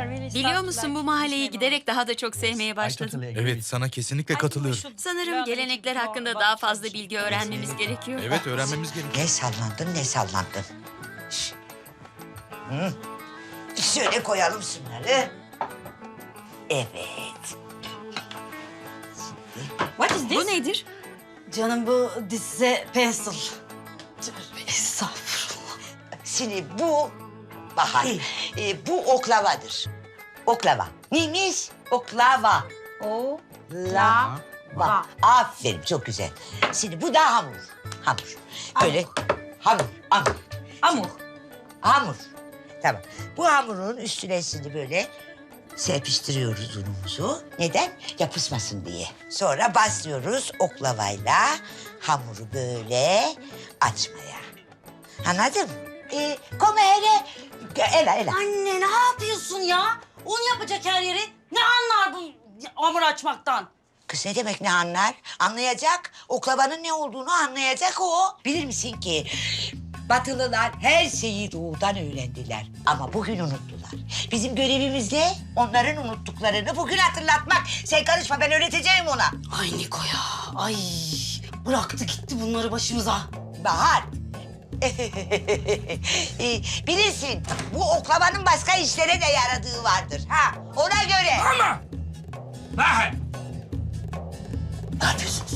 Biliyor musun bu mahalleyi giderek daha da çok sevmeye başladım. Evet, sana kesinlikle katılıyorum. Sanırım gelenekler hakkında daha fazla bilgi öğrenmemiz gerekiyor. Evet, öğrenmemiz gerekiyor. Ne sallandın, ne sallandın. Şş. Hı. Şöyle koyalım şunları. Evet. Bu nedir? Canım bu this is a pencil. Estağfurullah. Şimdi bu Bahar, bu oklavadır. Oklava. Neymiş? Oklava. Lava. Aferin, çok güzel. Şimdi bu da hamur. Hamur. Böyle hamur. Hamur. Tamam. Bu hamurun üstüne şimdi böyle serpiştiriyoruz unumuzu. Neden? Yapışmasın diye. Sonra başlıyoruz oklavayla hamuru böyle açmaya. Anladın mı? Come here. Ela. Anne ne yapıyorsun ya? Un yapacak her yeri. Ne anlar bu hamur açmaktan? Kız ne demek ne anlar? Anlayacak. Oklavanın ne olduğunu anlayacak o. Bilir misin ki Batılılar her şeyi doğudan öğrendiler. Ama bugün unuttular. Bizim görevimiz ne? Onların unuttuklarını bugün hatırlatmak. Sen karışma, ben öğreteceğim ona. Ay Niko ya. Ay bıraktı gitti bunları başımıza. Bahar. Bilirsin bu oklavanın başka işlere de yaradığı vardır. Ha, ona göre. Ama! Bahar! Ne yapıyorsunuz?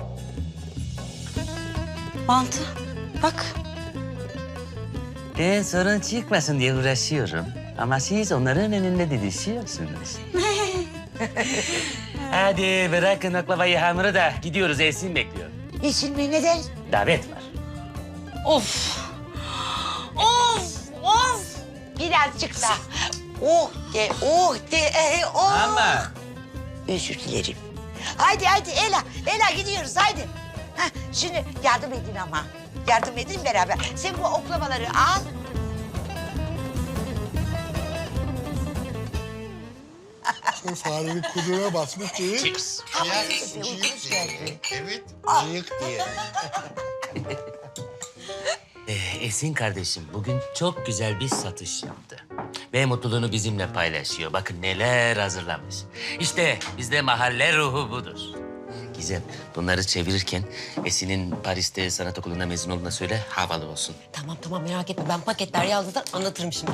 Mantı bak. Ben sorun çıkmasın diye uğraşıyorum. Ama siz onların önünde didişiyorsunuz. Hadi bırakın oklavayı hamuru da gidiyoruz. Esin bekliyor. Niçin mi, neden? Davet var. Of. Birazcık da. Oh de. Ama Özür dilerim. Haydi Ela gidiyoruz haydi. Heh, şimdi yardım edin ama. Yardım edin beraber. Sen bu oklavaları al. Farenin kuyruğuna basmış değil. Cheers. Uykunuz geldi. Evet, bıyık diye. Esin kardeşim bugün çok güzel bir satış yaptı. Ve mutluluğunu bizimle paylaşıyor. Bakın neler hazırlamış. İşte bizde mahalle ruhu budur. Gizem, bunları çevirirken Esin'in Paris'te sanat okulunda mezun olduğuna söyle, havalı olsun. Tamam merak etme. Ben paketler yazdılar anlatırım şimdi.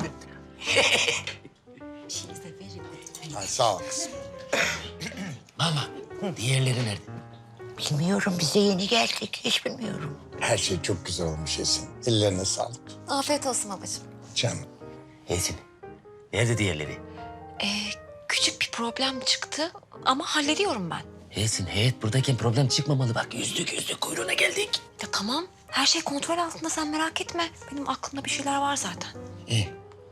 Ay, sağ ol kızım. Mama, diğerleri nerede? Bilmiyorum, bize yeni geldik. Hiç bilmiyorum. Her şey çok güzel olmuş Esin. Ellerine sağlık. Afiyet olsun babacığım. Canım. Esin, nerede diğerleri? Küçük bir problem çıktı ama hallediyorum ben. Esin, heyet buradayken problem çıkmamalı. Bak yüzdük kuyruğuna geldik. Ya tamam her şey kontrol altında sen merak etme. Benim aklımda bir şeyler var zaten. İyi.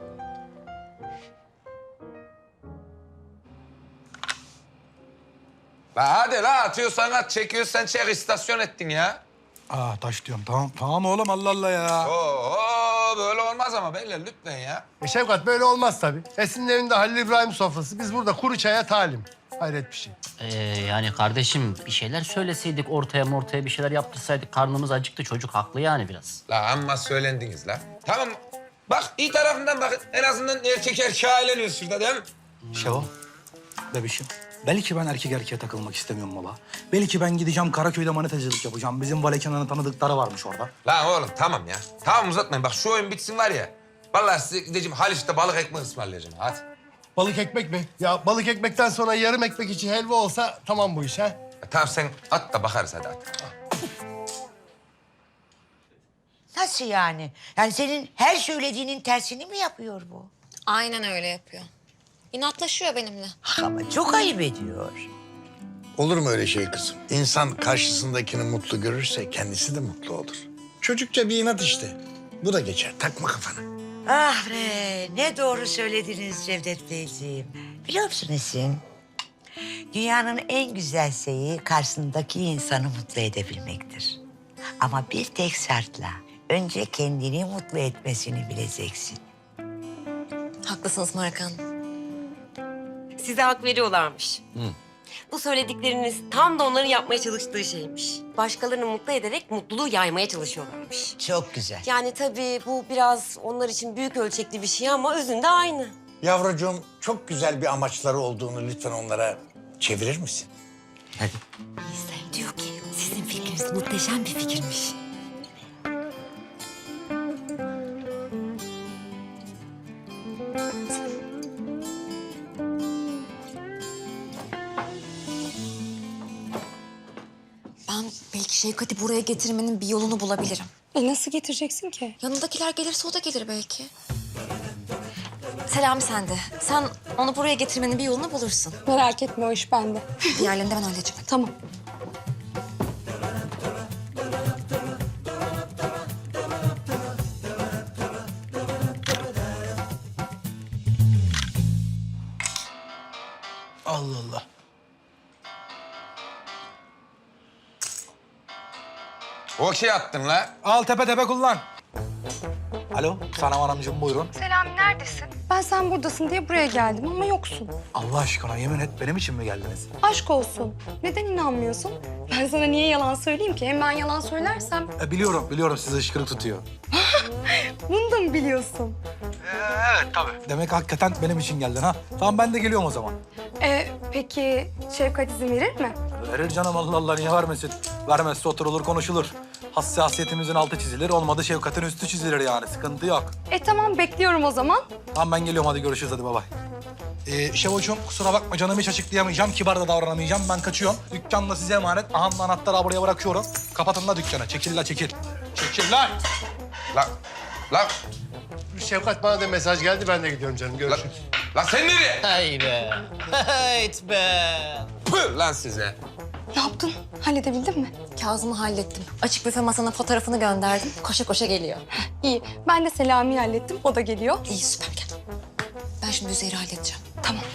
La hadi la atıyorsan at, çekiyorsan çek, istasyon ettin ya. Taş diyorum. Tamam oğlum Allah Allah ya. Oo böyle olmaz ama beyler lütfen ya. Şevkat böyle olmaz tabii. Esin'in evinde Halil İbrahim sofrası. Biz burada kuru çaya talim. Hayret bir şey. Yani kardeşim bir şeyler söyleseydik ortaya bir şeyler yaptırsaydık karnımız acıktı çocuk haklı yani biraz. La amma söylendiniz la. Tamam bak iyi tarafından bakın en azından erkek erkeğe eğleniyoruz şurada değil mi? Şevo, bebişim. Belki ben erkek erkeğe takılmak istemiyorum valla. Belki ben gideceğim Karaköy'de manetacılık yapacağım. Bizim Vale Kenan'ın tanıdıkları varmış orada. Lan oğlum tamam ya. Tamam uzatmayın bak şu oyun bitsin var ya. Vallahi size gideceğim Haliç'te balık ekmek ısmarlayacağım hadi. Balık ekmek mi? Ya balık ekmekten sonra yarım ekmek içi helva olsa tamam bu iş ha. Ya, tamam sen at da bakarız hadi at. Nasıl yani? Yani senin her söylediğinin tersini mi yapıyor bu? Aynen öyle yapıyor. İnatlaşıyor benimle. Ama çok ayıp ediyor. Olur mu öyle şey kızım? İnsan karşısındakini mutlu görürse kendisi de mutlu olur. Çocukça bir inat işte. Bu da geçer. Takma kafana. Ah be, ne doğru söylediniz Cevdet Beyciğim. Biliyor musun Esin? Dünyanın en güzel şeyi karşısındaki insanı mutlu edebilmektir. Ama bir tek şartla. Önce kendini mutlu etmesini bileceksin. Haklısınız Markan. Size hak veriyorlarmış. Bu söyledikleriniz tam da onların yapmaya çalıştığı şeymiş. Başkalarını mutlu ederek mutluluğu yaymaya çalışıyorlarmış. Çok güzel. Yani tabii bu biraz onlar için büyük ölçekli bir şey ama özünde aynı. Yavrucuğum çok güzel bir amaçları olduğunu lütfen onlara çevirir misin? Hadi. İhsan diyor ki sizin fikriniz muhteşem bir fikirmiş. Ben belki Şevkat'i buraya getirmenin bir yolunu bulabilirim. Nasıl getireceksin ki? Yanındakiler gelirse o da gelir belki. Selami sende. Sen onu buraya getirmenin bir yolunu bulursun. Merak etme o iş bende. Diğerlerini de ben halledeceğim. Tamam. Allah Allah. Okey attın la. Al tepe tepe kullan. Alo, Sanem Hanımcığım buyurun. Selami neredesin? Ben sen buradasın diye buraya geldim ama yoksun. Allah aşkına yemin et benim için mi geldiniz? Aşk olsun. Neden inanmıyorsun? Ben sana niye yalan söyleyeyim ki? Hem ben yalan söylersem Biliyorum sizi ışkırık tutuyor. bunu da mı biliyorsun? Evet tabii. Demek hakikaten benim için geldin ha. Tamam ben de geliyorum o zaman. Peki Şevkat izin verir mi? Verir canım Allah Allah niye vermesin? Vermezse oturulur konuşulur. Hassasiyetimizin altı çizilir, olmadı şefkatin üstü çizilir yani. Sıkıntı yok. Tamam bekliyorum o zaman. Tamam ben geliyorum hadi görüşürüz hadi bay bay. Şevocuğum kusura bakma canımı hiç açıklayamayacağım, kibar da davranamayacağım. Ben kaçıyorum. Dükkan da size emanet. Ahanın anahtarı buraya bırakıyorum. Kapatın da dükkanı. Çekil la çekil. Çekil la. La Şefkat bana da mesaj geldi. Ben de gidiyorum canım. Görüşürüz. la sen nereye? Hay be. Hayt be. Püh lan size. Ne yaptın? Halledebildin mi? Kazım'ı hallettim. Açık büfe masanın fotoğrafını gönderdim. Koşa koşa geliyor. İyi. Ben de Selami'yi hallettim. O da geliyor. İyi süper gel. Ben şimdi Üzeyir'i halledeceğim. Tamam.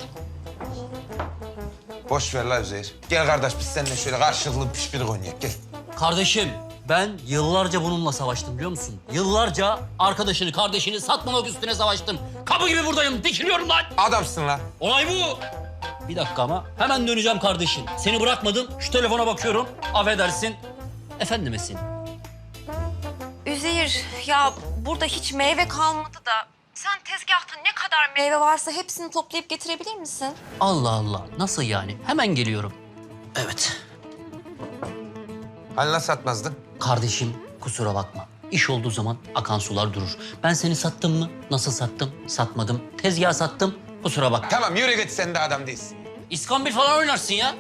Boş ver la Üzeyir. Gel kardeş biz seninle şöyle karşılıklı pişpirik oynayalım gel. Kardeşim ben yıllarca bununla savaştım biliyor musun? Yıllarca arkadaşını, kardeşini satmamak üstüne savaştım. Kapı gibi buradayım, dikiliyorum lan. Adamsın lan. Olay bu. Bir dakika ama hemen döneceğim kardeşim. Seni bırakmadım, şu telefona bakıyorum. Affedersin. Efendim Esin. Üzeyir, ya burada hiç meyve kalmadı da sen tezgahta ne kadar meyve varsa hepsini toplayıp getirebilir misin? Allah Allah, nasıl yani? Hemen geliyorum. Evet. Hani nasıl satmazdın? Kardeşim kusura bakma. İş olduğu zaman akan sular durur. Ben seni sattım mı? Nasıl sattım? Satmadım. Tezgah sattım. Kusura bakma. Tamam yürü git sen de adam değilsin. İskambil falan oynarsın ya.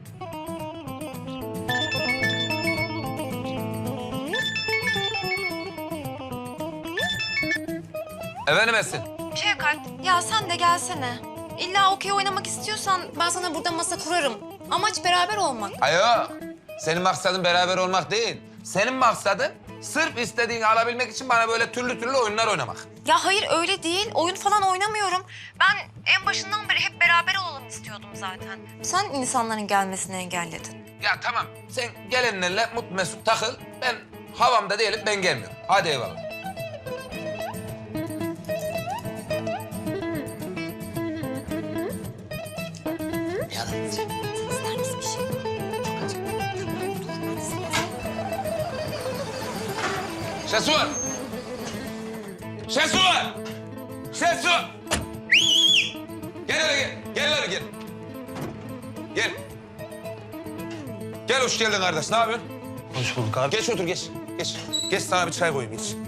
Efendim Esin? Şevkat, ya sen de gelsene. İlla okey oynamak istiyorsan ben sana burada masa kurarım. Amaç beraber olmak. Ayo. Senin maksadın beraber olmak değil. Senin maksadın sırf istediğini alabilmek için bana böyle türlü oyunlar oynamak. Ya hayır öyle değil. Oyun falan oynamıyorum. Ben en başından beri hep beraber olalım istiyordum zaten. Sen insanların gelmesini engelledin. Ya tamam sen gelenlerle mutlu mesut takıl. Ben havamda değilim ben gelmiyorum. Hadi eyvallah. İster misin bir şey? Çok acıktım. Tamam, dur. Şesu! Şesu! Şesu! Gel hele gel. Gel hele gel. Gel. Gel hoş geldin kardeş. Ne yapıyorsun? Hoş bulduk abi. Geç otur geç. Geç. Geç sana bir çay koyayım geç.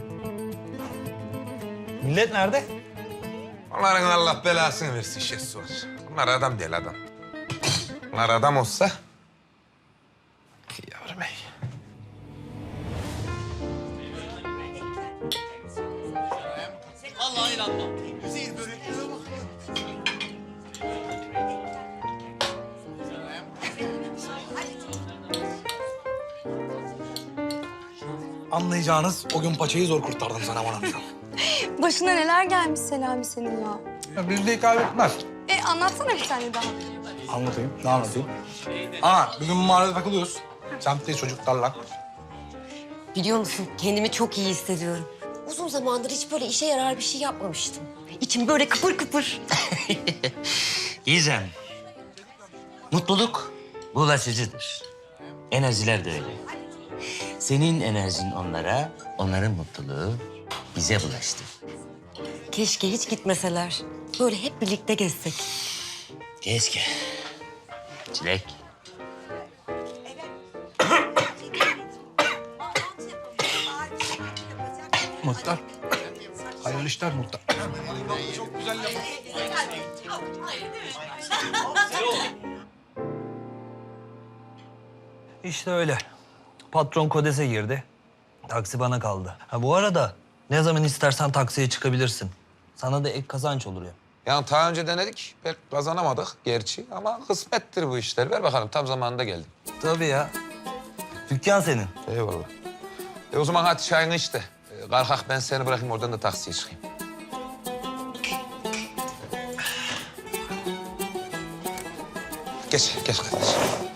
Millet nerede? Onların Allah belasını versin Şesu var. Bunlar adam değil adam. Bunlar adam olsa... Yavrum ey. Vallahi inanmam. Anlayacağınız o gün paçayı zor kurtardım sana bana. Başına neler gelmiş Selami senin ya. Bizde kaybetmez. Anlatsana bir tane daha. Anlatayım, ne anlatayım? Bir gün mahallede takılıyoruz. Semtteyiz çocuklarla. Biliyor musun kendimi çok iyi hissediyorum. Uzun zamandır hiç böyle işe yarar bir şey yapmamıştım. İçim böyle kıpır kıpır. Gizem. Mutluluk bulaşıcıdır. Enerjiler de öyle. Senin enerjin onlara, onların mutluluğu bize bulaştı. Keşke hiç gitmeseler. Böyle hep birlikte gezsek. Keşke. Çilek. Muhtar. Hayırlı işler muhtar. İşte öyle. Patron Kodes'e girdi. Taksi bana kaldı. Ha bu arada ne zaman istersen taksiye çıkabilirsin. Sana da ek kazanç olur ya. Yani daha önce denedik, pek kazanamadık gerçi ama kısmettir bu işler. Ver bakalım, tam zamanında geldim. Tabii ya. Dükkan senin. Eyvallah. O zaman hadi çayını iç de. Kalkak ben seni bırakayım, oradan da taksiye çıkayım. Geç kardeş.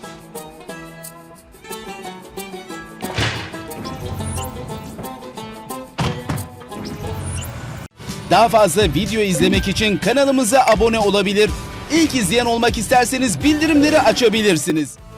Daha fazla video izlemek için kanalımıza abone olabilir. İlk izleyen olmak isterseniz bildirimleri açabilirsiniz.